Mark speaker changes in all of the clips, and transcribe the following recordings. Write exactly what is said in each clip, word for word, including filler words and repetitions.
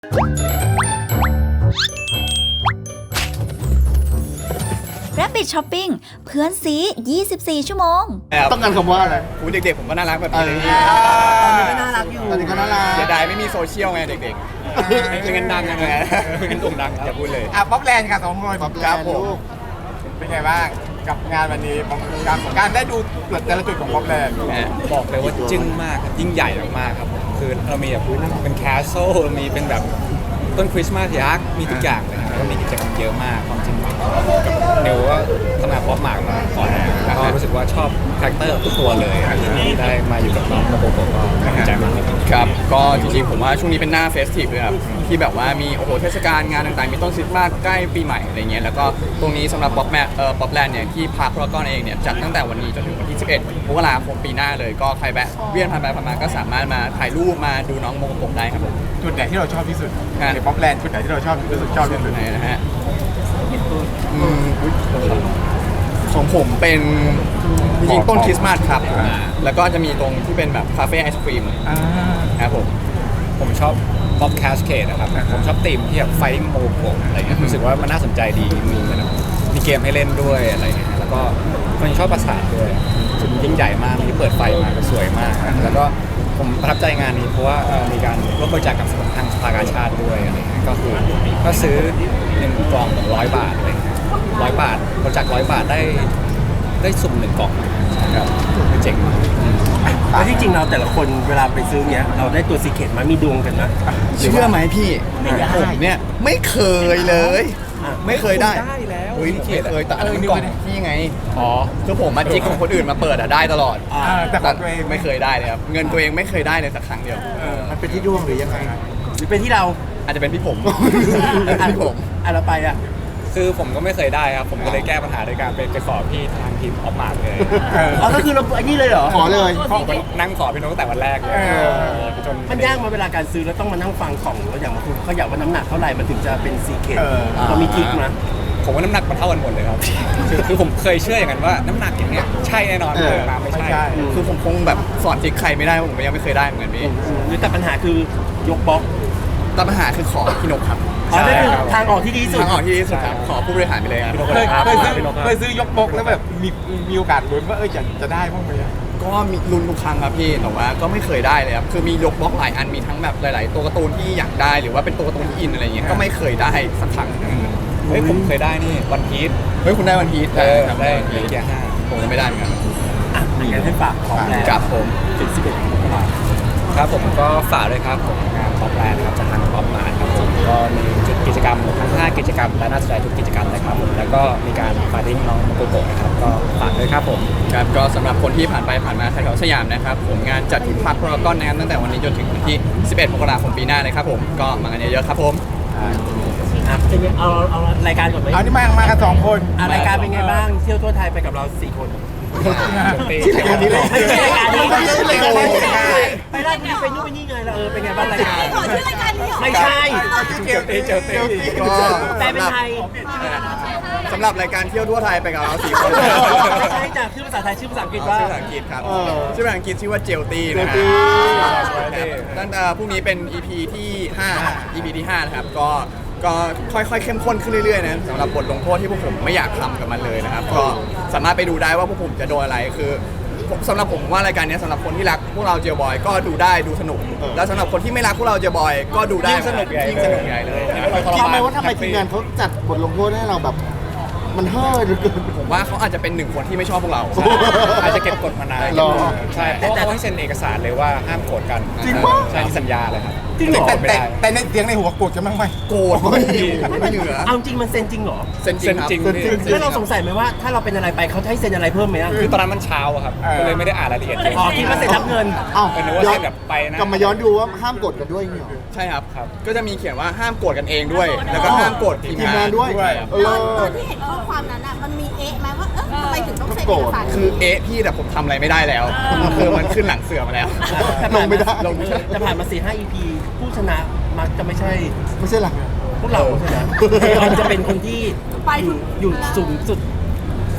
Speaker 1: Rabbit Shopping เพื่อนซียี่สิบสี่ชั่วโมง
Speaker 2: ต้องการคำว่าอะไร
Speaker 3: กูเด็กๆผมก็น่ารักแบบนี้เลย
Speaker 2: ตอนนี้ก็น่ารักอยู่ตอนนี้ก็น่ารัก
Speaker 3: เสียดายไม่มีโซเชียลไงเด็กๆไม่งั้นดังกันไงไม่งั้นโด่งดังจะพูดเลย
Speaker 4: อ่ะป๊อปแลนด์ค่ะสองคน
Speaker 2: ครับผม
Speaker 4: เป็นไงบ้างกับงานวันนี้การการได้ดูแต่ละจุดของป๊อปแลนด์
Speaker 3: บอกเลยว่าจึ้งมากยิ่งใหญ่มากๆครับคือเรามีแบบเป็นแคสเซิลมีเป็นแบบต้นคริสต์มาสยักษ์มีทุกอย่างเลยครับก็มีกิจกรรมเยอะมากความจริงกับเนวว่าทำงานป๊อปมามาก่อนแล้วก็รู้สึกว่าชอบคาแรคเตอร์ทุกตัวเลยที่ได้มาอยู่กับน้องโมโกโกะก็ภูมิใจมากครับก็จริงๆผมว่าช่วงนี้เป็นหน้าเฟสทีฟเลยครับที่แบบว่ามีโอ้โหเทศกาลงานต่างๆมีต้นคริสต์มาสใกล้ปีใหม่อะไรเงี้ยแล้วก็ตรงนี้สำหรับป๊อปแมเอ่อป๊อปแลนด์เนี่ยที่พาร์คพารากอนเองเนี่ยจัดตั้งแต่วันนี้จนถึงวันที่สิบเอ็ดมกราคมปีหน้าเลยก็ใครแวะเวียนผ่านไปผ่านมาก็สามารถมาถ่ายรูปมาดูน้องโมโกโกะได้ครับผม
Speaker 4: จุดไหนที่เราชอบที่สุดในป๊อปแลนด์จุดไหนที่เราชอบที่สุดชอบที่สุด
Speaker 3: ไหนนะฮะอืมของผมเป็นจริงๆต้นคริสต์มาสครับแล้วก็จะมีตรงที่เป็นแบบคาเฟ่ไอศครีมครับผมผมชอบป๊อปแคสเคดนะครับผมชอบธีมที่แบบไฟโมโกะอะไรเงี้ยรู้สึกว่ามันน่าสนใจดีมีเหมือนมีเกมให้เล่นด้วยอะไรเงี้ยแล้วก็คนชอบปราสาทด้วยยิ่งใหญ่มากมีเปิดไฟมาก็สวยมากแล้วก็ผมประทับใจงานนี้เพราะว่ามีการร่วมบริจาคกับทางสภากาชาติด้วยอะไรเงี้ยก็คือก็ซื้อหนึ่งกล่องร้อยบาทเลยร้อยบาทบริจาคร้อยบาทได้ได้สุ่มหนึ่งกล่องครับเจ๋งมาก
Speaker 5: แล้วที่จริงเราแต่ละคนเวลาไปซื้อเนี้ยเราได้ตัวซีเคร็ตมามีดวงกันนะ
Speaker 3: เชื่อไหมพี่ผมเนี่ยไม่เคยเลยไม่เคยได้
Speaker 5: ได้แล้ว
Speaker 3: ไม่เคยแต่อันนั้นกล่องพี่ไงอ๋อคือผมมาจิกของคนอื่นมาเปิดอะได้ตลอด
Speaker 4: แต่ของตัวเอง
Speaker 3: ไม่เคยได้เลยครับเงินตัวเองไม่เคยได้เลยสักครั้งเดียว
Speaker 2: มันเป็นที่ดวงหรือยังไง
Speaker 5: หรือเป็นที่เรา
Speaker 3: อาจจะเป็นพี่ผมพี่ผม
Speaker 5: อ่ะเราไปอ่ะ
Speaker 3: คือผมก็ไม่เคยได้ครับผมก็เลยแก้ปัญหาโดยการไปไปขอพี่ทางทีมออฟมาร์เลย
Speaker 5: อ๋อก็คือเราไอ้นี่เลยเหรอ
Speaker 2: ขอเลย
Speaker 3: นั่งขอพี่น้องตั้งแต่วันแรกเลยจน
Speaker 5: มันยากมาเวลาการซื้อแล้วต้องมานั่งฟังของแล้วอย่างบางคนเขาอยากว่าน้ำหนักเท่าไหร่มันถึงจะเป็นซีเคร็ตเรามีทริคมั้ย
Speaker 3: ผมว่าน้ำหนักมันเท่ากันหมดเลยครับคือผมเคยเชื่ออย่างนั้นว่าน้ำหนักอย่างเนี้ยใช่แน่นอนเลยมาไม่ใช่คือผมคงแบบสอนทริคใครไม่ได้ผมยังไม่เคยได้เหมือนกันพี่
Speaker 5: หรือแต่ปัญหาคือยกบล็อก
Speaker 3: แต่ปัญหาคือขอพี่นกครับ
Speaker 5: อ๋อนั่นคือทางออกที่ดีสุด
Speaker 3: ทางออกที่ดีสุดครับขอผู้บริหารไปเลยครับ
Speaker 4: เคยเคยซื้อเคยซื้อยกบล็อกแล้วแบบมีมีโอกาสลุ้นว่าเออจะจะได้บ้างไหม
Speaker 3: ก็มีลุ้นทุกครั้งครับพี่แต่ว่าก็ไม่เคยได้เลยครับคือมียกบล็อกหลายอันมีทั้งแบบหลายๆตัวการ์ตูนที่อยากได้หรือว่าเป็นตัวการ์ตูนที่อินอะไรเงี้ยก็ไม่เคยได้สักครั้งเฮ้ยผมเคยได้นี่วันพีชเฮ้ยคุณได้วันพีชได้ได้เกียร์ห้าผมไม่ได้เหมือนกัน
Speaker 5: อ่ะอย่างนั้นให้ฝากของแรง
Speaker 3: กับผม
Speaker 5: ถึงสิบเอ็ดมกราคม
Speaker 3: ครับผมก็ฝากด้วยครับผมงานป๊อปแลนด์ครับจากทางป๊อปมาครับผมก็มีจุดกิจกรรมทั้งห้ากิจกรรมและน่าสนใจทุกกิจกรรมเลยครับผมแล้วก็มีการฟาดดิ้งน้องโมโกโกะนะครับก็ฝากด้วยครับผมครับก็สำหรับคนที่ผ่านไปผ่านมาแถวสยามนะครับผมงานจัดที่พาร์คพารากอนนะครับตั้งแต่วันนี้จนถึงวันที่สิบเอ็ดมกราคมปีหน้าเลยครับผมก็มากันเยอะๆครับผม
Speaker 5: อ่ะเป็นไงเอาเอารายการก่อนไหม
Speaker 4: เอาที่มามากันสองคน
Speaker 5: อ่ะรายการเป็นไงบ้างเที่ยวทั่วไทยไปกับเราสี่คน
Speaker 2: ที่รายการนี้เลย
Speaker 5: ไม่ใช่รายการนี้ไม่ใช่รายการนี้ไปได้ไปไปนู่นไปนี่ไงเราเออเป็นไงบ้างรายการไม่ใช่
Speaker 3: เจียวตีเจียวตีก็
Speaker 5: แต่เป็นไทย
Speaker 3: สำหรับรายการเที่ยวทั่วไทยไปกับเราสี่คน
Speaker 5: ไม่ใช่จากชื่อภาษาไทยชื่อภาษาอังกฤษว่า
Speaker 3: ชื่อภาษาอังกฤษครับชื่อภาษาอังกฤษชื่อว่าเจลตี้นะฮะตั้งแต่พรุ่งนี้เป็น อี พี ที่ห้า อี พี ที่ห้านะครับก็ก็ค่อยๆเข้มข้นขึ้นเรื่อยๆนะสำหรับบทลงโทษที่พวกผมไม่อยากทำกับมันเลยนะครับก็สามารถไปดูได้ว่าพวกผมจะโดนอะไรคือสำหรับผมว่ารายการนี้สำหรับคนที่รักพวกเราเจลบอยก็ดูได้ดูสนุกแล้วสำหรับคนที่ไม่รักพวกเราเจลบอยก็ดูได้ยิ่งสนุกใหญ่ยิ่งสนุกใหญ่เลย
Speaker 2: คิดไหมว่าทำไมทีมงานเขาจัดบทลงโทษให้เราแบบมันเฮ้ยเหลือเกิน
Speaker 3: ผมว่าเขาอาจจะเป็นหนึ่งคนที่ไม่ชอบพวกเราอาจจะเก็บกดมานานใช่เพราะเขาให้เซ็นเอกสารเลยว่าห้ามโกรธกัน
Speaker 2: จริงป่ะ
Speaker 3: ใช่ที่สัญญาเลยครับ
Speaker 4: จริงเหรอแต่แต่ในเสียงในหัวโกรธกันบ้างไหม
Speaker 3: โกรธไม่เหลือ
Speaker 5: เอาจริงมันเซ็นจริงเหรอ
Speaker 3: เซ็นจริง
Speaker 5: แล้วเราสงสัยไหมว่าถ้าเราเป็นอะไรไปเขาจะให้เซ็นอะไรเพิ่มไหม
Speaker 3: คือตอนนั้นมันเช้าครับก็เลยไม่ได้อ่านรายละเอียด
Speaker 5: อ๋อคิดว่าเซ็นรับเงิน
Speaker 2: อ้าว
Speaker 3: เป็นว่าเซ็นแบบไปนะ
Speaker 2: กลับมาย้อนดูว่าห้ามโกรธกันด้วยเหรอ
Speaker 3: ใช่ครับครับก็จะมีเขียนว่าห้ามโกรธกันเองด้วยแล้วก็ห้ามโกรธทีมงาน
Speaker 2: ด้วย
Speaker 6: ตอนตอนที่เห็นข้อความนั้นอ่ะมันมีเอ๊ะไหมว่าเออทำไมถึงต้องเซ็นเอกสาร
Speaker 3: คือเอ๊ะพี่แต่ผมทำอะไรไม่ได้แล้วคือมันขึ้นหลังเสือมาแล้ว
Speaker 2: ลงไม่ได้
Speaker 3: ลงไม่ได้
Speaker 5: จะผ่านมา สี่ห้า อี พี ผู้ชนะมักจะไม่ใช่
Speaker 2: ไม่ใช่หลัก
Speaker 5: พวกเราใช่ไหมมันจะเป็นคนที่อยู่สูงสุด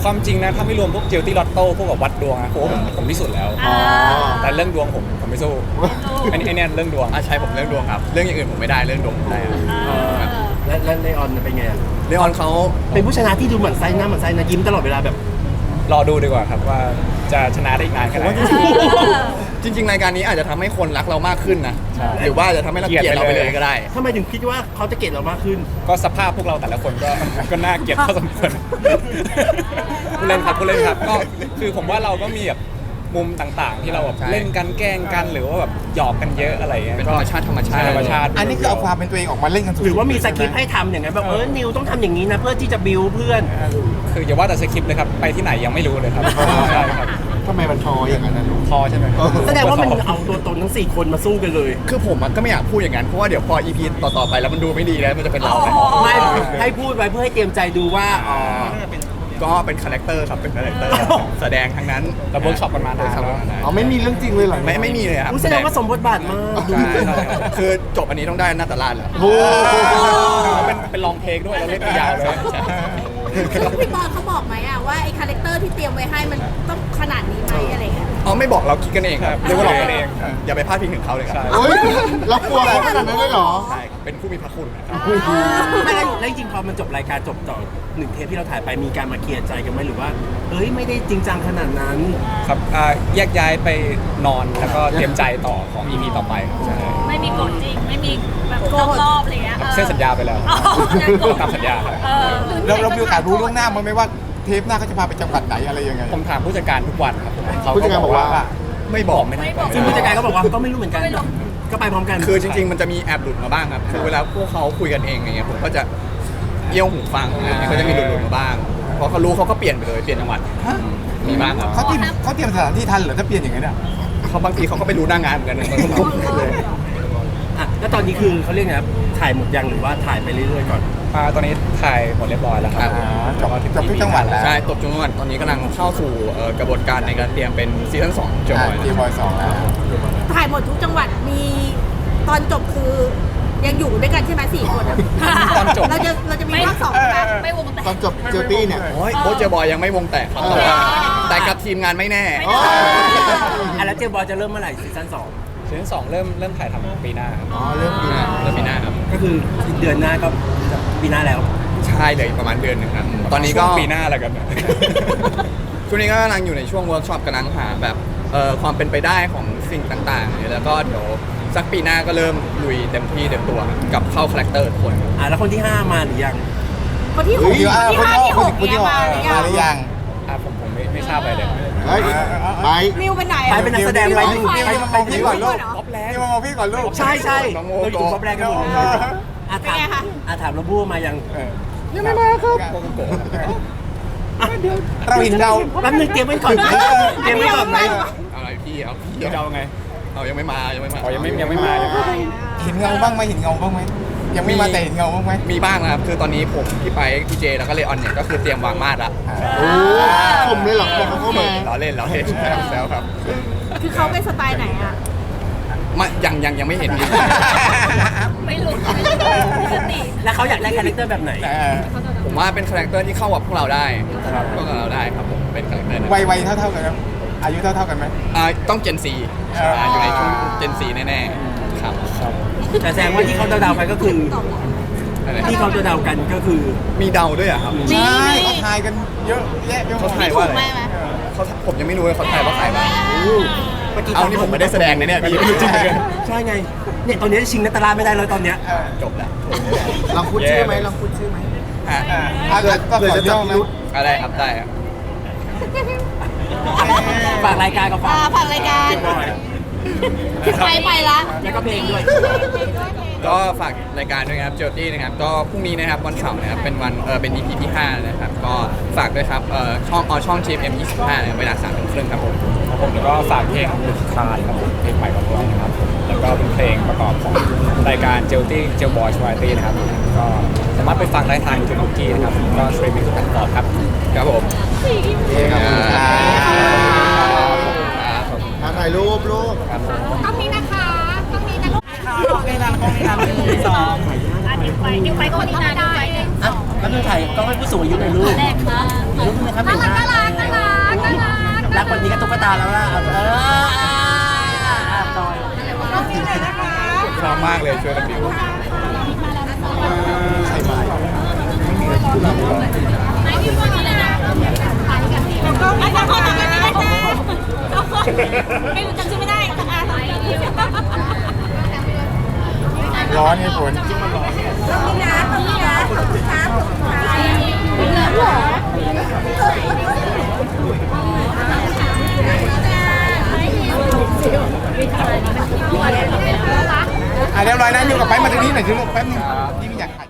Speaker 7: ความจริงนะถ้าไม่รวมพวกเจลตี้ลอตโต้พวกกับวัดดวงนะโอ้ผมผมที่สุดแล้ว
Speaker 2: อ๋อ
Speaker 7: แต่เรื่องดวงผมผมไม่สู้อันนี้ไอเนี่ยเรื่องดวง
Speaker 3: อ่ะใช่ผมเรื่องดวงครับ เรื่องอย่างอื่นผมไม่ได้เรื่องดวงผมได้ครับ
Speaker 5: และและเลออนเป็นไงอะ
Speaker 3: เลออนเขา
Speaker 5: เป็นผู้ชนะที่ดูเหมือนไส้หน้าเหมือนไส้นะยิ้มตลอดเวลาแบบ
Speaker 7: รอดูดีกว่าครับว่าจะชนะได้อีกนานแค่ไหน
Speaker 3: จริง ๆ รายการนี้อาจจะทำให้คนรักเรามากขึ้นนะ
Speaker 7: ใช่
Speaker 3: หรือว่าจะทำให้เราเกลียดเราไปเลยก็ได้
Speaker 5: ทำไมถึงคิดว่าเขาจะเกลียดเรามากขึ้น
Speaker 7: ก็สภาพพวกเราแต่ละคนก็ ก็น่าเกลียดพอสมควรผู้เล่นครับผู้เล่นครับก็คือผมว่าเราก็มีแบบมุมต่างๆ ที่เราแบบ
Speaker 3: ใช่
Speaker 7: เล่นกันแกล้งกันหรือว่าแบบหยอกกันเยอะอะไรอย่างเงี้ย
Speaker 3: เป็นธรรมชาติธรรมชาติ
Speaker 7: ธรรมชาติ
Speaker 4: อันนี้คือเอาความเป็นตัวเองออกมาเล่นกันสุดๆ
Speaker 5: หรือว่ามีสคริปต์ให้ทำอย่างไงแบบเออนิวต้องทำอย่างนี้นะเพื่อที่จะบิวเพื่อน
Speaker 7: คืออย่าว่าแต่สคริปต์เลยครับไปที่ไหนยังไม่รู้เลยครับใช่ครับ
Speaker 2: ทำไมมันทออย่างนั้นนะลูก
Speaker 7: พอใช่ไหม
Speaker 2: เออ
Speaker 5: แสดงว่ามันเอาตัวตนทั้งสี่คนมาสู้กันเลย
Speaker 3: คือผมอะก็ไม่อยากพูดอย่างนั้นเพราะว่าเดี๋ยวพอ อี พี ต่อๆไปแล้วมันดูไม่ดีแล้วมันจะเป็นเราไหม
Speaker 5: ไม่ให้พูดไว้เพื่อให้เตรียมใจดูว่าอ๋อ
Speaker 3: ก็เป็นคาแรคเตอร์ครับเป็นคาแรคเตอร์แสดงทั้งนั้น
Speaker 7: เราเวิร์กช็อปกันมานานแล้ว
Speaker 2: อ๋อไม่มีเรื่องจริงเลยเหรอ
Speaker 3: ไม่ไม่มีเลยครับ
Speaker 5: อุ๊ยแสดงว่าสมบทบาทมาก
Speaker 3: ใช่ใช่คือจบอันนี้ต้องได้นาตาลาดแล้ว
Speaker 2: โอ้โห
Speaker 7: เป็นเป็นลองเทคด้วยเราเล่นยาวเลย
Speaker 6: แล้วพี่บอลเขาบอกไหมอะว่าไอ้คาแรคเตอร์ที่เตรียมไว้ให้มันต้องขนาดนี้ไหมอะไรเงี้ย
Speaker 3: อ๋อไม่บอกเราคิดกันเองครับ
Speaker 7: เรียกว่าเรากันเอง
Speaker 3: อย่าไปพลาดพิงถึงเขาเลยครับ
Speaker 2: เฮ้ยเรากลัวเขาขนาดนั้นเลยเหรอ
Speaker 3: ใช่ครับเป็นผู้มีพระคุณนะครับ
Speaker 5: ไม่แล้วแล้วจริงๆพอมันจบรายการจบต่อหนึ่งเทปที่เราถ่ายไปมีการมาเคลียร์ใจกันไหมหรือว่าเอ้ยไม่ได้จริงจังขนาดนั้น
Speaker 7: ครับอ่าแยกย้ายไปนอนแล้วก็เตรียมใจต่อของ อี พี ต่อไปครับใช่
Speaker 8: ไม่มีกฎจริง ไม่มีแบบรอบๆอะไรเงี้ย
Speaker 7: เส้นสัญญาไปแล้ว
Speaker 8: อ๋อยังกด
Speaker 7: ตามสัญญาครับ
Speaker 8: เออ
Speaker 4: เราเรามีโอกาสรู้ล่วงหน้ามั้ยไหมว่าเทปหน้าเขาจะพาไปจังหวัดไหนอะไรยังไง
Speaker 7: ผมถามผู้จัดการทุกวันครับเขา
Speaker 2: ผู้จัดการบอกว่า
Speaker 3: ไม่บอกไม่ได้
Speaker 8: ไม่บอก
Speaker 5: ซึ่งผู้จัดการก็บอกว่าก็ไม่รู้เหมือนกัน ก็ไปพร้อมกัน
Speaker 3: คือจริง ๆ มันจะมีแอบหลุดมาบ้างครับคือเวลาพวกเขาคุยกันเองอย่างเงี้ยผมก็จะเอี้ยวหูฟังอะไรอย่างเงี้ยเขาจะมีหลุดๆมาบ้างพอเขารู้เขาก็เปลี่ยนไปเลยเปลี่ยนจังหวัดมีบ้างครับ
Speaker 4: เขาเตรียมเขาเตรียมสถานที่ทันเหรอถ้าเปลี่ยนอย่างนั้นอ่ะ
Speaker 3: เขาบางทีเขาก็ไปรู้หน้างานเหมือนกันนะเลย
Speaker 5: อ่ะแล้วตอนนี้คือเขาเรียกไงครับถ่ายหมดยังหรือว่าถ่ายไปเรื่อยๆก่อน
Speaker 7: อ่าตอนนี้ถ่ายหมดเรียบร้อยแล้วครับ
Speaker 4: จบจบทุกจังหวัดแล้ว
Speaker 3: ใช่ตบจังหวัดตอนนี้กำลังเข้าสู่เอ่อกระบวนการในการเตรียมเป็นซีซั่นสองจอย
Speaker 4: ทีบอยสองแล้ว
Speaker 6: ถ่ายหมดทุกจังหวัดมีตอนจบคือยังอยู่ด้วยกันใช่ไหมสี่คนอะ
Speaker 7: ตอนจบ
Speaker 6: เราจะเราจะมีภาคสองใช่ไหม
Speaker 8: ไม่วงแตก
Speaker 2: ตอนจบเจอตี้เนี่ย
Speaker 3: โอ้ยโค้ชเจอบอยยังไม่วงแตกครับแต่ว่าแต่กับทีมงานไม่แน่
Speaker 2: อ๋อ
Speaker 5: อ่ะแล้วเจมบอลจะเริ่มเมื่อไหร่ซีซั่นสอง
Speaker 7: ซีซั่นสองเริ่มเริ่มถ่ายทำปีหน้าครับ
Speaker 2: อ๋อเริ่มปีหน้า
Speaker 3: เริ่มปีหน้าครับ
Speaker 5: ก็คือเดือนหน้าก็จะปีหน้าแล้ว
Speaker 3: ใช่เลยประมาณเดือนหนึ่งครับตอนนี้ก็
Speaker 7: ช่วงปีหน้าแล้วกันนะ
Speaker 3: ช่วงนี้ก็กำลังอยู่ในช่วงเวิร์กช็อปกำลังหาแบบเอ่อความเป็นไปได้ของสิ่งต่างๆแล้วก็เดี๋ยวสักปีหน้าก็เริ่มลุยเต็มที่เต็มตัวกับเข้าคาแรคเตอร์ทุกคน
Speaker 5: อ่ะแล้วคนที่ห้ามาหรือยัง
Speaker 6: คนที่ห
Speaker 4: คุ
Speaker 6: ก
Speaker 4: ณที่ว่า
Speaker 6: ที่
Speaker 4: คุณ
Speaker 6: ห้า
Speaker 4: ที่
Speaker 6: ที่
Speaker 4: คุ
Speaker 6: ห
Speaker 4: ณ
Speaker 6: ก
Speaker 4: คุณ
Speaker 6: เนี่
Speaker 4: ที่
Speaker 6: ย
Speaker 4: ว่า
Speaker 6: มาหรือ
Speaker 4: มาหรือ
Speaker 6: ยั
Speaker 4: ยัง ง
Speaker 7: อ่าผมผมไม่ไม่ทราบอะไรเลย
Speaker 2: เฮ้ยไป
Speaker 6: มิวไปไหน
Speaker 5: ไป
Speaker 6: อะ
Speaker 5: เป็นนักแสดงไป
Speaker 4: นิวนิวนิวมามองพี่ก่อนลูก
Speaker 7: ป๊อปแลนด์
Speaker 4: นิวมามองพี่ก่อนลูก
Speaker 5: ใช่ใช่
Speaker 3: น้องโม
Speaker 5: เราอยู่ครบแรกกันหมดเลยอ่ะถามอ่ะถามเราบู้มายัง
Speaker 3: ยังไม่มาครับโกโก้
Speaker 5: อ่ะเดี๋ยว
Speaker 4: เราเห็นเรา
Speaker 5: แป๊บนึงเตรียมไว้ก่อนไหมเตรียมไว้ก่อนไหม
Speaker 3: อะไรพี่เอาพี่
Speaker 7: เดี๋ยวจะเอาไง
Speaker 3: เอายังไม่มายังไม่มา
Speaker 7: อ๋อยังไม่ยังไม่มายังไม่มา
Speaker 4: เห็นเงาบ้างไหมเห็นเงาบ้างไหมยังไม่มาแต่เห็นเงาบ้างไหม
Speaker 3: มีบ้างนะครับคือตอนนี้ผมพี่ไปพี่เจแล้วก็เลออนเนี่ยก็คือเตรียมวางมาดละ
Speaker 2: โอ้ผมเลยเหรอผมเข้ามา
Speaker 3: ล้อเล่นล้อเล่นแล้วครับ
Speaker 6: คือเขาเป็นสไตล์ไหนอะ
Speaker 3: ไม่ยังยังยังไม่เห็น
Speaker 8: ไม่หลุดปกติ
Speaker 5: แล้วเขาอยากได้คาแรคเตอร์แบบไหน
Speaker 4: เออ
Speaker 3: ผมว่าเป็นคาแรคเตอร์ที่เข้ากับพวกเราได้พวกเราได้ครับผมเป็นคาแรคเตอร์นั้น
Speaker 4: วัยวัยเท่าเท่าๆกันครับอายุเท่าเท่าๆกันไหม
Speaker 3: อ่าต้องเจนซี
Speaker 4: เอออ
Speaker 3: อยู่ในช่วงเจนซีแน่ๆครับ
Speaker 5: แต่แสดงว่าที่เขาเดาๆไปก็คือ
Speaker 3: อะไร
Speaker 5: ที่เขาเดาๆกันก็คือ
Speaker 3: มีเดาด้วยเหรอะครับ
Speaker 4: ใช่เขาทายกันเยอะแยะไปหม
Speaker 3: เขา
Speaker 4: ด
Speaker 3: ทาย
Speaker 6: ถู
Speaker 3: ว่าก อะไร
Speaker 6: ไหมไหม
Speaker 3: เขาผมยังไม่รู้เลยเขาทายว่าใครบ้าง
Speaker 5: เมื่อกี้
Speaker 3: เอานี่ผมไม่ได้แสดงนะเนี่ยพี่ไม่รู้จริงเลย
Speaker 5: ใช่ไงเนี่ยตอนนี้ชิงนัตตาลาไม่ได้เลยตอนเนี้ย
Speaker 4: เออ
Speaker 3: จบแล้ว
Speaker 2: ลองพูดชื่อไหมลองพูดชื่อไหม
Speaker 3: อ่ะ
Speaker 4: เออถ้าเกิดก็ขอย่อไหม
Speaker 3: อะไรครับได้ครับ
Speaker 5: ฝากรายการกับฝาก
Speaker 6: อ่าฝากรายการ
Speaker 5: เจมบอย
Speaker 6: ไปไปละ
Speaker 5: แล้วก็เพลงด้วย
Speaker 3: ก็ฝากรายการด้วยนะครับเจลตี้นะครับก็พรุ่งนี้นะครับวันเสาร์นะครับเป็นวันเออเป็น อี พี ที่ห้านะครับก็ฝากด้วยครับเอ่อช่องออช่อง จี เอ็ม ยี่สิบห้านะครับเวลาสามทุ่มครึ่งครับผม
Speaker 7: ครับผมแล้วก็ฝากเพลงบุคคาครับผมเพลงใหม่ของเรานะครับแล้วก็เป็นเพลงประกอบของรายการเจลตี้เจลบอยสวายตี้นะครับก็สามารถไปฟังได้ทางยูทูบคุกกี้นะครับก็สตรีมมิ่งทุกแพลตฟอร์มครับ
Speaker 3: ครับผม
Speaker 4: ขอบคุณครับ
Speaker 2: มาถ่ายรูปรูป
Speaker 8: ต้องนี้นะคะต้องนี้นะลูก
Speaker 5: กล้องนี้นานกล้องนี้นานหนึ่งสอง
Speaker 8: อ่ะเดี๋ยวไปเดี๋ยวไปก็วันนี้นะเดี๋ยวไป
Speaker 5: แล้วดูถ่ายกล้องให้ผู้สูงอายุหน่อยลูก
Speaker 8: แรกค่ะ
Speaker 5: ลูกนะครับเป็นน่ารักน่ารักน่ารักรักวันนี้ก็ตุ๊กตาแล้วล่ะเออจอย
Speaker 3: ชอบมากเลยช่วยกันบิว
Speaker 2: ใครมา
Speaker 8: ไม่มีคนเลยนะก็ไม่ใช่คนแต่ไม่ได้แจ้ไม่รู้จำชื่อไม่ได้อ่าไปเดียว
Speaker 4: ร้อนไงฝน อ่ะเรียบร้อยนะอยู่กับไปมาตรงนี้หน่อยสิลูกแป๊บนึงที่ไม่อยากถ่าย